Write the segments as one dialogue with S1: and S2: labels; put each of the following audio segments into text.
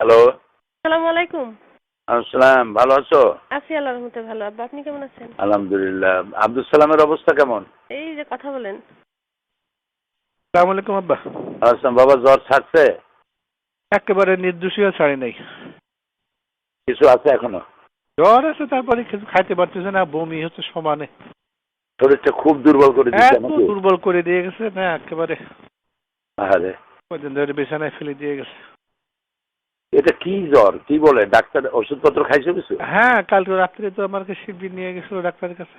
S1: Hello.
S2: আসসালামু আলাইকুম।
S1: আসসালাম, ভালো আছো?
S2: আছি আল্লাহর রহমতে ভালো। আব্বা আপনি কেমন আছেন?
S1: আলহামদুলিল্লাহ। আব্দুল সালামের অবস্থা কেমন?
S2: এই যে কথা বলেন।
S3: আসসালামু আলাইকুম আব্বা।
S1: আসলাম বাবা, জ্বর ছাড়ছে?
S3: একেবারে নির্দোষীয় ছাড়ি নাই।
S1: কিছু আছে এখনো?
S3: জ্বর আছে, তারপরে কিছু খাইতে পারতেছে না, বমি হচ্ছে সমানে।
S1: শরীরটা খুব দুর্বল করে দিচ্ছে
S3: এত
S1: নাকি?
S3: দুর্বল করে দিয়ে গেছে না একেবারে।
S1: আরে
S3: কদিন ধরে বিছানায় ফেলে দিয়ে গেছে।
S1: এটা কি জ্বর? কি বলে ডাক্তার? ওষুধপত্র খাইছো কিছু?
S3: হ্যাঁ, কালকে রাত্রে তো আমাকে শিবির নিয়ে গেছিল ডাক্তারের কাছে।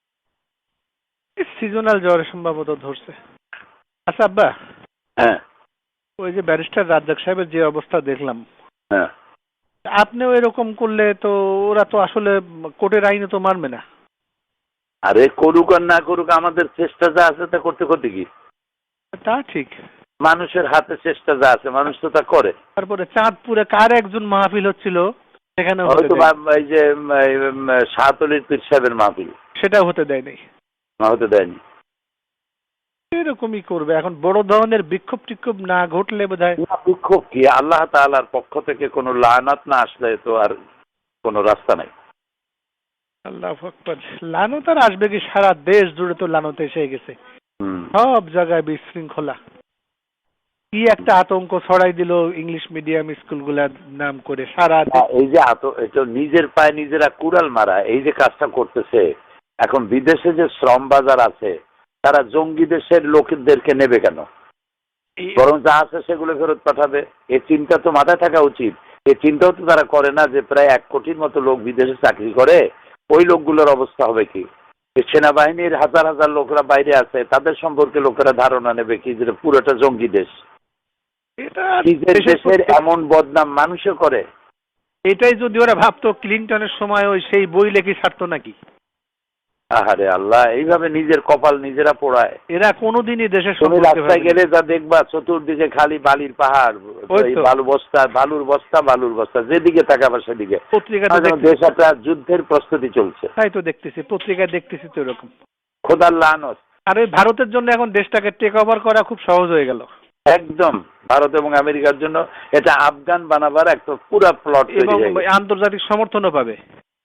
S3: সিজনাল জ্বর সম্ভবত ধরছে। আচ্ছা আব্বা,
S1: হ্যাঁ
S3: ওই যে ব্যারিস্টার রাজ্জাক সাহেবের যে অবস্থা দেখলাম,
S1: হ্যাঁ।
S3: আপনিও এরকম করলে তো ওরা তো আসলে কোর্টের আইনে তো মানবে না।
S1: আরে করুক আর না করুক, আমাদের চেষ্টা যা আছে তা করতে করতে কি?
S3: তা ঠিক।
S1: মানুষের হাতে চেষ্টা যা আছে মানুষ তো তা করে।
S3: তারপরে চাঁদপুরে কার একজন মাহফিল হচ্ছিল, সেখানে
S1: হয়তো এই যে শাহতলির পীর সাহেবের মাহফিল,
S3: সেটাও হতে দেয় নাই।
S1: না হতে দেয়নি।
S3: এরকমই করবে এখন, বড় ধরনের বিক্ষোভ টিক্ষোভ না ঘটলে বোধহয়।
S1: বিক্ষোভ কি? আল্লাহ তাআলার পক্ষ থেকে কোনো লানাত না আসলে তো আর কোনো রাস্তা নাই।
S3: আল্লাহু আকবার। লানত আর আসবে কি? সারা দেশ জুড়ে তো লানত এসে গেছে।
S1: হুম।
S3: সব জায়গায় বিশৃঙ্খলা। কি একটা আতঙ্ক ছড়াই দিল ইংলিশ মিডিয়াম স্কুলগুলার নাম করে সারা
S1: এই যে এটা নিজের পায়ে নিজেরা কুড়াল মারা, এই যে কাজটা করতেছে, এখন বিদেশে যে শ্রম বাজার আছে তারা জঙ্গি দেশের লোকদেরকে নেবে কেন? বরং যা আছে সেগুলো ফেরত পাঠাবে। এই চিন্তা তো মাথায় থাকা উচিত। এই চিন্তাও তো তারা করে না যে প্রায় 1 কোটির মতো লোক বিদেশে চাকরি করে, ওই লোকগুলোর অবস্থা হবে কি? সেনাবাহিনীর হাজার হাজার লোকরা বাইরে আছে, তাদের সম্পর্কে লোকেরা ধারণা নেবে কি যে পুরোটা জঙ্গি দেশ।
S3: এটা
S1: নিজের দেশের এমন বদনাম মানুষে করে।
S3: এটাই যদি ওরা ভাবতো ক্লিনটনের সময় ওই সেই বই লেখি ছাড়তো নাকি?
S1: আহারে আল্লাহ, এইভাবে নিজের কপাল নিজেরা পোড়ায়।
S3: এরা কোনোদিনই দেশের
S1: তুমি রাস্তায় গেলে যা দেখবা চতুর্দিকে খালি বালির পাহাড়, বালুর বস্তা, যেদিকে তাকাবা সেদিকে। দেশ একটা যুদ্ধের প্রস্তুতি চলছে।
S3: তাই তো দেখতেছি, পত্রিকায় দেখতেছি তো এরকম।
S1: খোদার লানত।
S3: আর ওই ভারতের জন্য এখন দেশটাকে টেক ওভার করা খুব সহজ হয়ে গেল।
S1: একদম ভারত এবং আমেরিকার জন্য এটা আফগান বানাবার একটা পুরো প্লট
S3: এবং আন্তর্জাতিক সমর্থনও পাবে।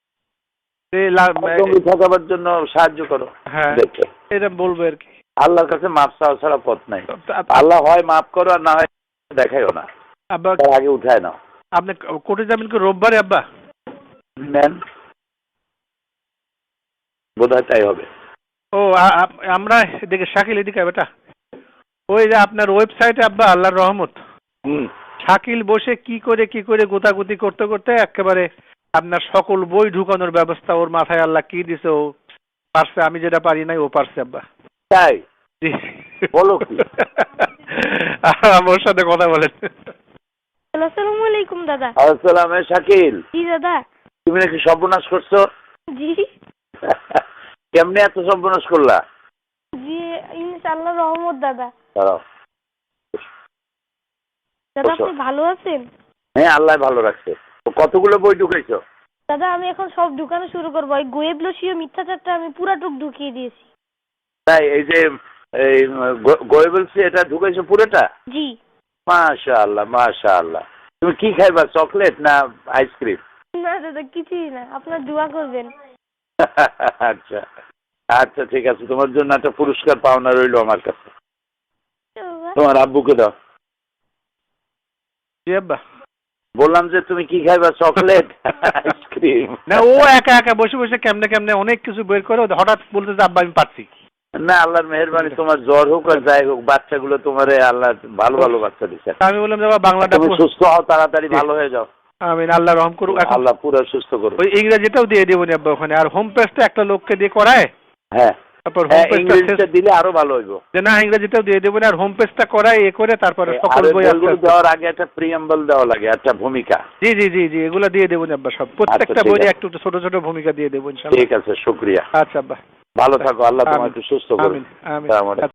S1: ঠকাবার জন্য সাহায্য করো।
S3: হ্যাঁ, এটা বলবো আর কি।
S1: আল্লাহর কাছে মাপ চাওয়া ছাড়া পথ নাই। আল্লাহ হয় মাফ করো আর না হয় দেখাইও না।
S3: আব্বা
S1: আগে উঠায় নাও।
S3: আপনি কোর্টে যাবেন কি রোববারে আব্বা?
S1: নেন, বোধহয় তাই হবে।
S3: ও আমরা এদিকে শাকিল এদিকে বেটা, ওই যে আপনার ওয়েবসাইটে আব্বা আল্লাহর রহমত, শাকিল বসে কি করে গোতাগুতি করতে করতে একেবারে আপনার সকল বই ঢুকানোর ব্যবস্থা ওর মাথায় আল্লাহ কি দিছে, ও পারছে। আমি যেটা পারি নাই ও পারছে আব্বা।
S1: তাই বলো কি?
S3: ওর সাথে কথা বলেন।
S2: আসসালামু আলাইকুম দাদা।
S1: আসসালাম। শাকিল,
S2: জি দাদা।
S1: তুমি নাকি সর্বনাশ করছো?
S2: জি
S1: কেমনে এত সর্বনাশ করলা?
S2: জি ইনশাআল্লাহ রহমত দাদা।
S1: দাঁড়াও।
S2: দাদা আপনি ভালো আছেন?
S1: হ্যাঁ, আল্লাহ ভালো রাখছে। কতগুলো বই ঢুকাইছো?
S2: দাদা আমি এখন সব ঢুকানো শুরু করবো। এই গোয়েবলসীয় মিথ্যাচারটা আমি পুরাটুক ঢুকিয়ে দিয়েছি।
S1: তাই? এই যে এই গোয়েবলসি এটা ঢুকাইছো পুরোটা?
S2: জি।
S1: মাশাআল্লাহ মাশাআল্লাহ। তুমি কি খাইবা, চকলেট না আইসক্রিম?
S2: না দাদা কিছুই না, আপনার দোয়া করবেন।
S1: আচ্ছা আচ্ছা, ঠিক আছে, তোমার জন্য একটা পুরস্কার পাওনা রইলো আমার কাছে। তোমার আব্বুকে দাও।
S3: জি আব্বা।
S1: বললাম যে তুমি কি খাইবা, চকলেট আইসক্রিম?
S3: না, ও একা একা বসে বসে কেমনে কেমনে অনেক কিছু বের করে হঠাৎ বলতে যে আব্বা আমি পারছি।
S1: না, আল্লাহর মেহেরবানি, তোমার জ্বর হোক আর যাই হোক, বাচ্চাগুলো তোমারে আল্লাহ ভালো ভালো বাচ্চা দিচ্ছে।
S3: আমি বললাম বাবা বাংলাটা
S1: তুমি সুস্থ হও, তাড়াতাড়ি ভালো হয়ে যাও।
S3: আমিন, আল্লাহ রহম করুক।
S1: আল্লাহ পুরো সুস্থ করুক।
S3: ওই ইংরেজিটাও দিয়ে দেবো নি আব্বা ওখানে, আর হোম পেজটা একটা লোককে দিয়ে করায়।
S1: হ্যাঁ,
S3: তারপর হোম
S1: পেজটা দিলে আরো ভালো হইব।
S3: যে না ইংরেজিটাও দিয়ে দেবো না, আর হোম পেজটা করায় এ করে তারপরে সকল বই
S1: দেওয়ার আগে একটা প্রিয়াম্বল দেওয়া লাগে, একটা ভূমিকা।
S3: জি জি জি জি, এগুলো দিয়ে দেবো আব্বা সব, প্রত্যেকটা বইয়ে একটু ছোট ছোট ভূমিকা দিয়ে দেবো ইনশাআল্লাহ।
S1: ঠিক আছে, শুকরিয়া।
S3: আচ্ছা আব্বা,
S1: ভালো থাকো, আল্লাহ তোমাকে সুস্থ করুন।
S3: আমিন আমিন।